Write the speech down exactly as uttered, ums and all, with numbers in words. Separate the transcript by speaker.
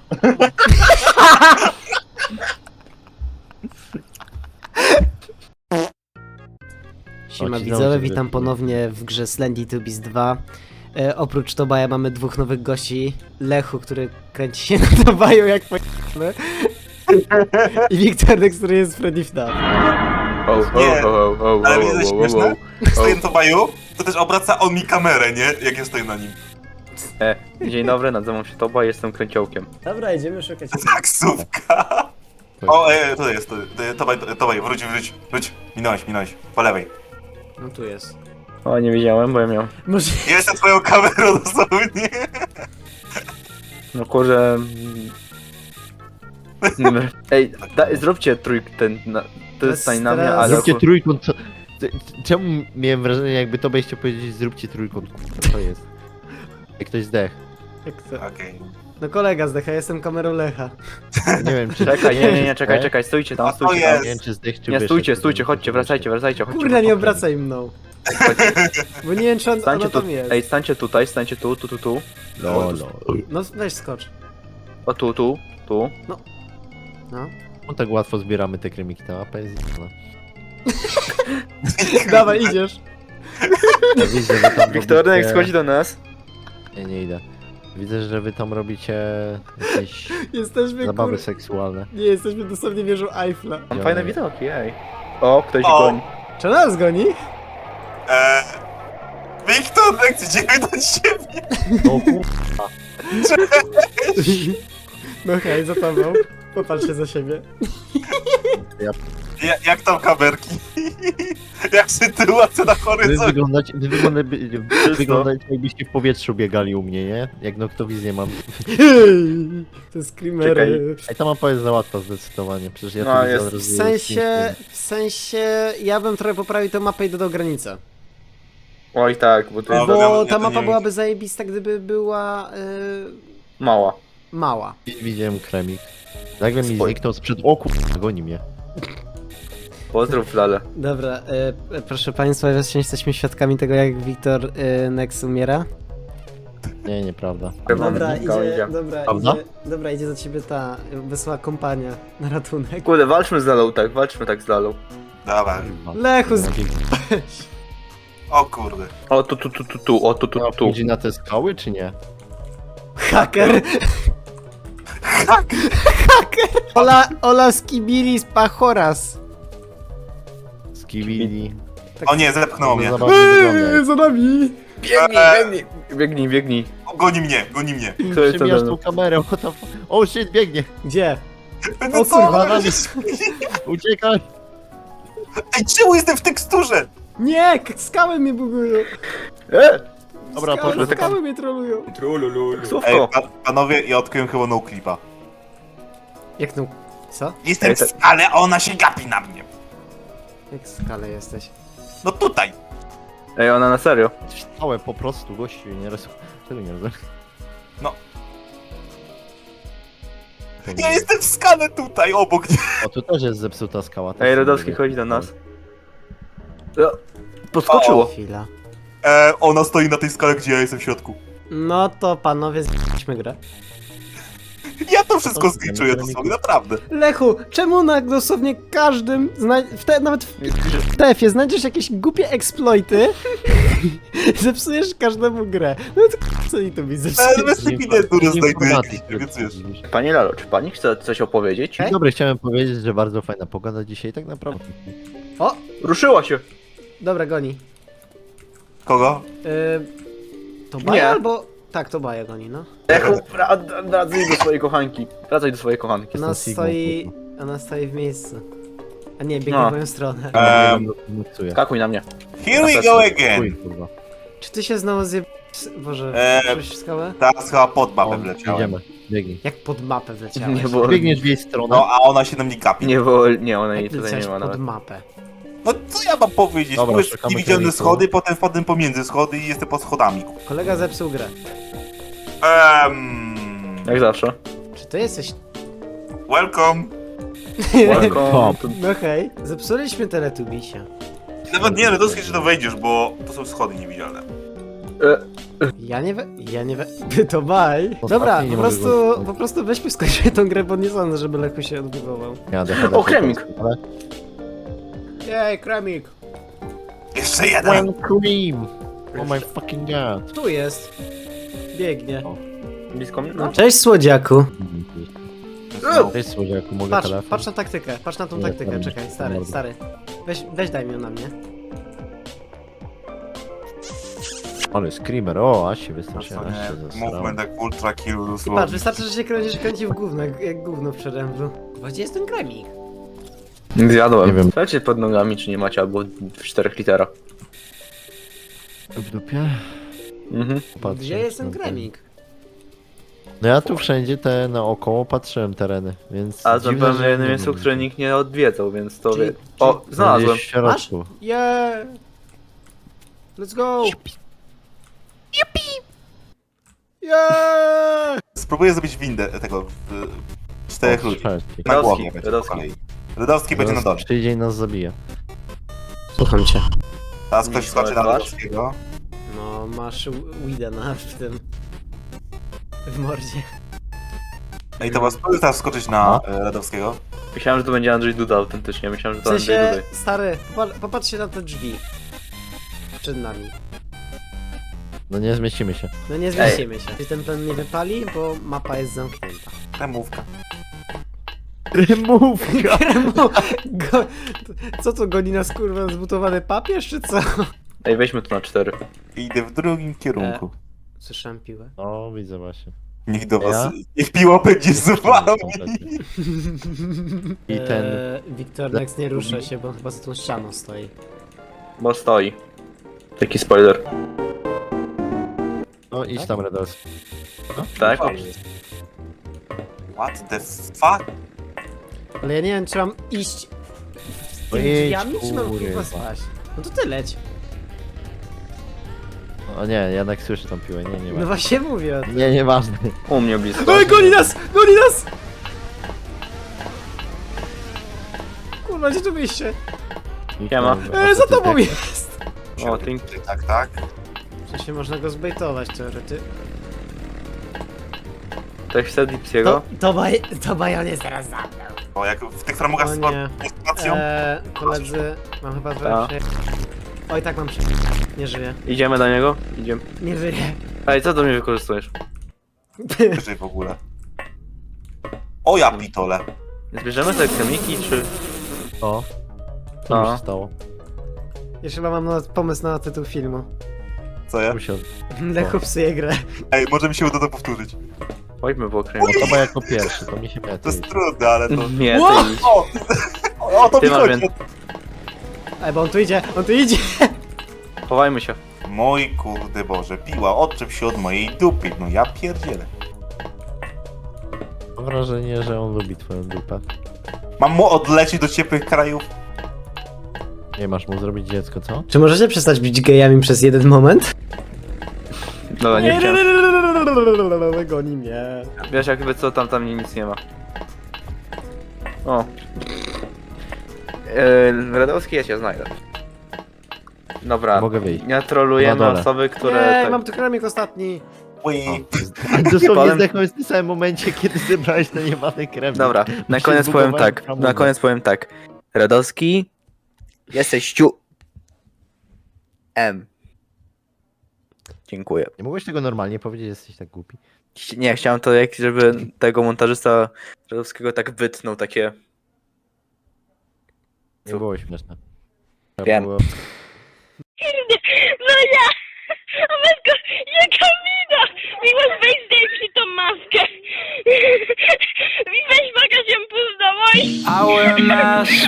Speaker 1: Siema
Speaker 2: O, ci
Speaker 1: widzowie,
Speaker 2: dobrze,
Speaker 1: witam
Speaker 2: że-
Speaker 1: ponownie w grze Slendy Tubis dwa. E, oprócz Tobaja mamy dwóch nowych gości. Lechu, który kręci się na Tobaju jak p***ny. I Wiktorek, który jest Freddy F N A F.
Speaker 3: O, o,
Speaker 4: Nie,
Speaker 3: o, o, o,
Speaker 4: ale
Speaker 3: o,
Speaker 4: wiecie, co
Speaker 3: o, o,
Speaker 4: śmieszne?
Speaker 3: o.
Speaker 4: Jak stoję na Tobaju, to też obraca on mi kamerę, nie? Jak ja stoję na nim.
Speaker 3: E, dzień dobry, nazywam się Toba, jestem kręciołkiem.
Speaker 1: Dobra, idziemy szukać.
Speaker 4: Taksówka. O, e, tutaj jest, tutaj, Tobaj, Tobaj, wróć, wróć, wróć. Minąłeś, minąłeś, po lewej.
Speaker 1: No tu jest.
Speaker 3: O, nie widziałem, bo ja miałem.
Speaker 1: Może...
Speaker 4: Ja jestem twoją kamerą dosłownie.
Speaker 3: No kurze... mm. Ej, da, zróbcie trójk ten, na, to
Speaker 1: Teraz-
Speaker 3: jest stań na mnie,
Speaker 1: teraz-
Speaker 3: ale...
Speaker 2: Zróbcie trójkąt. Co... c- Czemu miałem wrażenie, jakby to byście powiedzieć, zróbcie trójkąt? Kurwa, to jest. Jak ktoś zdech.
Speaker 1: Jak to?
Speaker 4: Okej.
Speaker 1: No kolega zdecha, jestem kamerą Lecha.
Speaker 2: Nie wiem, czy.
Speaker 3: Czekaj, nie, nie, nie, czekaj,
Speaker 2: E?
Speaker 3: czekaj, stójcie
Speaker 4: A
Speaker 3: tam,
Speaker 4: to
Speaker 3: stójcie
Speaker 4: jest-
Speaker 3: tam.
Speaker 2: Nie wiem, czy zdech, czy
Speaker 3: Nie,
Speaker 2: wyszedł.
Speaker 3: stójcie, stójcie, chodźcie, wracajcie, wracajcie, chodźcie.
Speaker 1: Kurde, nie obracaj mną. Bo nie wiem, czy on,
Speaker 3: Stańcie
Speaker 1: ona
Speaker 3: tu,
Speaker 1: tam jest.
Speaker 3: ej, stańcie tutaj, stańcie tu, tu, tu, tu.
Speaker 2: No, no.
Speaker 1: No weź skocz.
Speaker 3: O, tu, tu, tu.
Speaker 1: No.
Speaker 2: No tak łatwo zbieramy te kremiki, ta mapa jest zjebana.
Speaker 1: Dawaj, idziesz.
Speaker 2: Ja widzę, że tam
Speaker 3: Wiktorek
Speaker 2: robicie...
Speaker 3: schodzi do nas.
Speaker 2: Nie, nie idę. Widzę, że wy tam robicie jakieś
Speaker 1: Jesteśmy
Speaker 2: zabawy
Speaker 1: kur...
Speaker 2: seksualne.
Speaker 1: Nie, jesteśmy dosłownie wieżą Eiffla.
Speaker 3: Mam
Speaker 2: Ja
Speaker 3: fajne
Speaker 2: nie.
Speaker 3: widoki, ej. O, ktoś
Speaker 4: O.
Speaker 3: goni.
Speaker 1: Czy nas goni?
Speaker 4: Eee... Wiktor, idziemy do ciebie.
Speaker 2: No kurwa.
Speaker 1: No hej, za tobą. Popatrz się za siebie.
Speaker 4: Ja, jak tam kamerki? Jak sytuacja na
Speaker 2: Wy
Speaker 4: horyzoncie?
Speaker 2: wyglądacie, wy wyglądacie, wy wyglądacie jakbyście w powietrzu biegali u mnie, nie? Jak noktowizję mam.
Speaker 1: Te screamery.
Speaker 2: Ej, ta mapa jest za łatwa zdecydowanie, przecież ja
Speaker 3: No,
Speaker 2: tu
Speaker 3: jest-
Speaker 2: widzę od
Speaker 1: W
Speaker 2: razu
Speaker 1: sensie, w sensie, ja bym trochę poprawił tę mapę i dodał granicę.
Speaker 3: Oj tak, bo to
Speaker 4: No,
Speaker 3: jest
Speaker 4: Dobra,
Speaker 1: Bo
Speaker 4: ja
Speaker 1: ta
Speaker 4: to
Speaker 1: mapa
Speaker 4: nie
Speaker 1: byłaby zajebista, gdyby była yy,
Speaker 3: mała.
Speaker 1: mała.
Speaker 2: Widziałem kremik. Nagle mi
Speaker 3: Spoj-
Speaker 2: zniknął sprzed oku, goni mnie.
Speaker 3: Pozdrów Lale.
Speaker 1: Dobra, yy, proszę państwa, właśnie jesteśmy świadkami tego, jak Wiktor yy, Nex umiera.
Speaker 2: Nie, nieprawda.
Speaker 1: Dobra,
Speaker 3: Linka
Speaker 1: idzie,
Speaker 3: idzie.
Speaker 1: dobra,
Speaker 2: Prawda?
Speaker 1: idzie, dobra, idzie do ciebie ta yy, wesoła kompania na ratunek.
Speaker 3: Kurde, walczmy z Lalą, tak, walczmy tak z Lalą.
Speaker 4: Dobra.
Speaker 1: Lechu, z...
Speaker 4: O kurde.
Speaker 3: O, tu, tu, tu, tu, tu, o, tu, tu,
Speaker 2: Tu
Speaker 3: tu.
Speaker 2: idzie na te skały, czy nie?
Speaker 1: haker! Haker! Ola, Ola Skibiris Pachoras.
Speaker 2: Skibidi.
Speaker 4: O nie, zepchnął mnie.
Speaker 2: Zabawnie wygląda.
Speaker 1: Eee, za nami!
Speaker 3: Biegnij,
Speaker 4: Eee.
Speaker 3: biegnij, biegnij, biegnij.
Speaker 4: Goni mnie, goni mnie.
Speaker 3: Kto jest
Speaker 2: Przemijasz
Speaker 3: to
Speaker 2: tą kamerę, what the fuck? O shit, biegnie!
Speaker 1: Gdzie?
Speaker 4: No
Speaker 1: O kurwa,
Speaker 4: co?
Speaker 2: Uciekaj!
Speaker 4: Ej, czemu jestem w teksturze?
Speaker 1: Nie, k- skały mnie bugują.
Speaker 3: E!
Speaker 2: Dobra,
Speaker 1: skały,
Speaker 2: poszedł.
Speaker 1: skały mnie trolują.
Speaker 4: Ej,
Speaker 3: Taksówko.
Speaker 4: pa panowie, ja odkryłem chyba no clipa.
Speaker 1: Jak no... Co?
Speaker 4: Jestem
Speaker 3: Ej,
Speaker 4: w
Speaker 3: to-
Speaker 4: skale, a ona się gapi na mnie.
Speaker 1: Jak w skale jesteś?
Speaker 4: No tutaj.
Speaker 3: Ej, ona na serio.
Speaker 2: Stałem po prostu, gościu, nie rozumiem. Czego nie rozumiem?
Speaker 4: No. Ja jestem w skale tutaj, obok.
Speaker 2: O, tu też jest zepsuta skała. też
Speaker 3: Ej,
Speaker 2: sobie
Speaker 3: Rodowski
Speaker 2: mówię.
Speaker 3: chodzi do nas. O, podskoczyło.
Speaker 1: Chwila.
Speaker 4: E, ona stoi na tej skale, gdzie ja jestem w środku.
Speaker 1: No to panowie, z***śmy grę.
Speaker 4: Ja to wszystko
Speaker 2: O,
Speaker 4: zliczuję
Speaker 2: ja
Speaker 4: dosłownie,
Speaker 2: nie-
Speaker 4: naprawdę.
Speaker 1: Lechu, czemu na dosłownie każdym, zna... w te, nawet w T F-ie znajdziesz jakieś głupie exploity, zepsujesz każdemu grę. No to k***, co i to mi
Speaker 4: Ale
Speaker 1: zepsuje?
Speaker 4: bez ewidentury znajdujecie, więc wiesz.
Speaker 3: Panie Lalo, czy pani chce coś opowiedzieć?
Speaker 1: Ej?
Speaker 2: Dzień dobry, chciałem powiedzieć, że bardzo fajna pogoda dzisiaj, tak naprawdę.
Speaker 1: O,
Speaker 3: Ruszyła się.
Speaker 1: dobra, goni.
Speaker 4: Kogo?
Speaker 1: Yy, to Baja
Speaker 3: Nie.
Speaker 1: albo... Tak, to Baja goni, no.
Speaker 3: Echo, wra- wracaj do swojej kochanki. Wracaj do swojej kochanki.
Speaker 1: Ona
Speaker 2: Jestem Sigmą,
Speaker 1: stoi...
Speaker 2: kurwa.
Speaker 1: Ona stoi w miejscu. A nie, biegnie
Speaker 3: No.
Speaker 1: w moją stronę.
Speaker 4: Ehm,
Speaker 2: Nocuję.
Speaker 3: Skakuj na mnie.
Speaker 4: Here we go
Speaker 2: Chuj,
Speaker 4: again.
Speaker 2: kurwa.
Speaker 1: Czy ty się znowu zje... Boże,
Speaker 4: Eee,
Speaker 1: przyszłeś w skałę?
Speaker 4: Teraz chyba pod mapę
Speaker 2: O,
Speaker 4: wleciałem.
Speaker 2: idziemy, biegnij.
Speaker 1: Jak pod mapę wleciałeś?
Speaker 3: Nie, bo...
Speaker 2: Biegniesz w jej stronę.
Speaker 4: No, a ona się na mnie gapi.
Speaker 3: Nie, bo... Nie, ona jej
Speaker 1: Jak
Speaker 3: tutaj
Speaker 1: wleciałeś
Speaker 3: nie ma
Speaker 1: pod
Speaker 3: nawet.
Speaker 1: mapę?
Speaker 4: No co ja mam powiedzieć?
Speaker 2: Dobra,
Speaker 4: Powiesz
Speaker 2: szukamy
Speaker 4: niewidzialne
Speaker 2: kierunku.
Speaker 4: schody, potem wpadłem pomiędzy schody i jestem pod schodami.
Speaker 1: Kolega zepsuł grę.
Speaker 4: Ehm...
Speaker 3: Jak zawsze.
Speaker 1: Czy ty jesteś...
Speaker 4: Welcome.
Speaker 3: Welcome. to-
Speaker 1: No hej, zepsuliśmy Teletubisia.
Speaker 4: Nawet nie, ale dosyć, że to wejdziesz, bo to są schody niewidzialne.
Speaker 1: Ja nie we... Ja nie we... To baj.
Speaker 2: Ostatni
Speaker 1: Dobra,
Speaker 2: nie
Speaker 1: po
Speaker 2: mogę
Speaker 1: prostu,
Speaker 2: go-
Speaker 1: po prostu weźmy skończymy tą grę, bo nie sądzę, żeby Lechu się odbudował.
Speaker 2: Ja dechadę
Speaker 3: O, kremik.
Speaker 2: Ale...
Speaker 1: Jej, kremik.
Speaker 4: Jeszcze jeden!
Speaker 2: One cream! Oh my fucking god.
Speaker 1: Tu jest. Biegnie.
Speaker 3: Blisko mnie?
Speaker 1: No, cześć słodziaku.
Speaker 4: No.
Speaker 2: Cześć słodziaku, mogę
Speaker 1: Patrz,
Speaker 2: telefon?
Speaker 1: patrz na taktykę, patrz na tą
Speaker 2: Nie,
Speaker 1: taktykę,
Speaker 2: tam-
Speaker 1: czekaj, stary,
Speaker 2: tam-
Speaker 1: stary. Weź, weź daj mi ją na mnie.
Speaker 2: Ale screamer, o, aż się
Speaker 4: To
Speaker 2: wystraszyłem, aż się
Speaker 4: nie,
Speaker 2: zesrałem.
Speaker 4: movement jak ultra kill
Speaker 1: I patrz,
Speaker 4: dosłownie.
Speaker 1: wystarczy, że się kręcisz, kręci w gówno, jak, jak gówno w przeręblu. Gdzie jest ten kremik?
Speaker 3: Zjadłem.
Speaker 2: Nie wiem.
Speaker 3: Słuchajcie pod nogami, czy nie macie, albo w czterech literach.
Speaker 2: W dupie?
Speaker 3: Mhm.
Speaker 2: Patrzę,
Speaker 1: Gdzie jest ten
Speaker 2: no,
Speaker 1: kremik?
Speaker 2: No ja tu wszędzie te naokoło patrzyłem tereny, więc...
Speaker 3: A
Speaker 2: dziwne,
Speaker 3: zapewne
Speaker 2: że
Speaker 3: jednym
Speaker 2: nie
Speaker 3: miejscu,
Speaker 2: wiem.
Speaker 3: które nikt nie odwiedzał, więc to
Speaker 1: Czyli-
Speaker 3: wie... O, znalazłem.
Speaker 2: Gdzieś w środku.
Speaker 1: Yeah! Let's go! Yeah!
Speaker 4: Spróbuję zrobić windę tego... y, czterech
Speaker 2: O,
Speaker 4: ludzi.
Speaker 2: trzeci.
Speaker 4: Na
Speaker 3: Radowski,
Speaker 4: głowie będzie po
Speaker 3: Radowski.
Speaker 4: kolei. Radowski będzie na
Speaker 2: Zaraz
Speaker 4: dole.
Speaker 2: przyjdzie i nas zabije.
Speaker 1: Słucham cię.
Speaker 4: Teraz ktoś
Speaker 3: Nie,
Speaker 4: skoczy na
Speaker 3: twarz.
Speaker 4: Radowskiego.
Speaker 1: No, masz weeda na w tym... w mordzie.
Speaker 4: No i to was spróbuj teraz skoczyć na e, Radowskiego.
Speaker 3: Myślałem, że to będzie Andrzej Duda autentycznie, myślałem, że
Speaker 1: W
Speaker 3: to Andrzej
Speaker 1: sensie,
Speaker 3: Duda.
Speaker 1: stary, popa- popatrzcie na te drzwi. Przed nami.
Speaker 2: No nie zmieścimy się.
Speaker 1: No nie zmieścimy się. Czy ten plan nie wypali, bo mapa jest zamknięta.
Speaker 4: Remówka.
Speaker 2: Rymówka!
Speaker 1: Kremo, go, co to goni nas kurwa zbutowany papież czy co?
Speaker 3: Ej, weźmy to na cztery.
Speaker 4: Idę w drugim kierunku.
Speaker 1: Słyszałem piłę.
Speaker 2: No, widzę właśnie.
Speaker 4: Niech do
Speaker 2: Ja?
Speaker 4: was... Niech piła będzie z wami.
Speaker 2: I ten...
Speaker 1: Eee, Wiktor Nex nie rusza się, bo chyba za tą ścianą stoi.
Speaker 3: Bo stoi. Taki spoiler.
Speaker 2: No idź tam, Redos.
Speaker 3: Tak?
Speaker 4: What the fuck?
Speaker 1: Ale ja nie wiem, czy mam iść z tymi
Speaker 2: Ojej,
Speaker 1: drzwiami, czy mam kurwa
Speaker 2: kurwa.
Speaker 1: spaść. No to ty leć.
Speaker 2: O nie, jednak słyszę tą piłę, nie, nie
Speaker 1: No
Speaker 2: ma.
Speaker 1: właśnie mówię.
Speaker 2: Nie, nieważne.
Speaker 3: U mnie blisko.
Speaker 1: Ej, goni nas! Goni nas! Kurwa, gdzie tu wyjście?
Speaker 3: Nie ma.
Speaker 1: Eee, za tobą jest!
Speaker 3: O, tink.
Speaker 4: Tak, tak.
Speaker 1: W sensie można go zbejtować teorety.
Speaker 3: Tak chce
Speaker 1: To,
Speaker 3: Dipsiego.
Speaker 1: to, baj, to bajon jest teraz za mną.
Speaker 4: O, jak w tych framugach
Speaker 1: O
Speaker 4: z
Speaker 1: nie.
Speaker 4: sytuacją.
Speaker 1: Eee, koledzy, mam chyba
Speaker 3: Ta.
Speaker 1: trochę prze... Oj, tak mam prze... Nie żyję.
Speaker 3: Idziemy do niego? Idziemy.
Speaker 1: Nie żyję.
Speaker 3: Ej, co do mnie wykorzystujesz?
Speaker 4: Wyżej w ogóle. O ja pitole.
Speaker 3: Zbierzemy te kremiki, czy...
Speaker 2: O. Co mi
Speaker 3: A.
Speaker 2: się stało?
Speaker 1: Jeszcze chyba mam na, pomysł na tytuł filmu.
Speaker 4: Co ja?
Speaker 2: Tu się...
Speaker 1: Lechu psuje grę.
Speaker 4: Ej, może mi się uda to powtórzyć.
Speaker 3: Chodźmy po
Speaker 2: No
Speaker 3: kremiki.
Speaker 2: to chyba jako pierwszy, to mi się
Speaker 4: To
Speaker 2: lepiej.
Speaker 4: jest trudne, ale to...
Speaker 3: Nie,
Speaker 1: Ło!
Speaker 3: ty idź.
Speaker 4: O! O, to
Speaker 3: Ty
Speaker 4: mi
Speaker 3: masz
Speaker 4: chodzi.
Speaker 3: więcej.
Speaker 1: Ej, bo on tu idzie, on tu idzie!
Speaker 3: Chowajmy się.
Speaker 4: Mój kurde Boże, piła, odczep się od mojej dupy. No ja pierdzielę.
Speaker 2: Mam wrażenie, że on lubi twoją dupę.
Speaker 4: Mam mu odlecieć do ciepłych krajów?
Speaker 2: Nie masz mu zrobić dziecko, co?
Speaker 1: Czy możecie przestać być gejami przez jeden moment?
Speaker 3: Dobra, nie chciałem.
Speaker 1: Goni mnie.
Speaker 3: Wiesz, jakby co, tam, tam nic nie ma. O. Yy, Radowski, ja cię znajdę. Dobra,
Speaker 2: Mogę wyjść.
Speaker 3: nie trolujemy
Speaker 2: Na dole.
Speaker 3: osoby, które...
Speaker 1: Ej,
Speaker 3: tak...
Speaker 1: mam tu kremik ostatni.
Speaker 4: Ui.
Speaker 2: A dosłownie
Speaker 3: Potem-
Speaker 2: zdechnąłeś w tym samym momencie, kiedy zebrałeś ten jebany krem.
Speaker 3: Dobra, na
Speaker 2: się
Speaker 3: koniec powiem
Speaker 2: zbugowałem
Speaker 3: tak,
Speaker 2: w
Speaker 3: na
Speaker 2: hamulcu.
Speaker 3: koniec powiem tak. Radowski, jesteś ciu... M. Dziękuję.
Speaker 2: Nie mogłeś tego normalnie powiedzieć, jesteś tak głupi.
Speaker 3: Chci- Nie, chciałem to jak, żeby tego montażysta Radowskiego tak wytnął, takie...
Speaker 2: Nie
Speaker 3: Co?
Speaker 2: było śmieszne. Trzeba
Speaker 3: Wiem.
Speaker 2: było-
Speaker 5: No ja! A matko, jaka mina! Miłość, weź zdejmij tą maskę! I weź pokaż ją pół do mojej!
Speaker 6: I wear a mask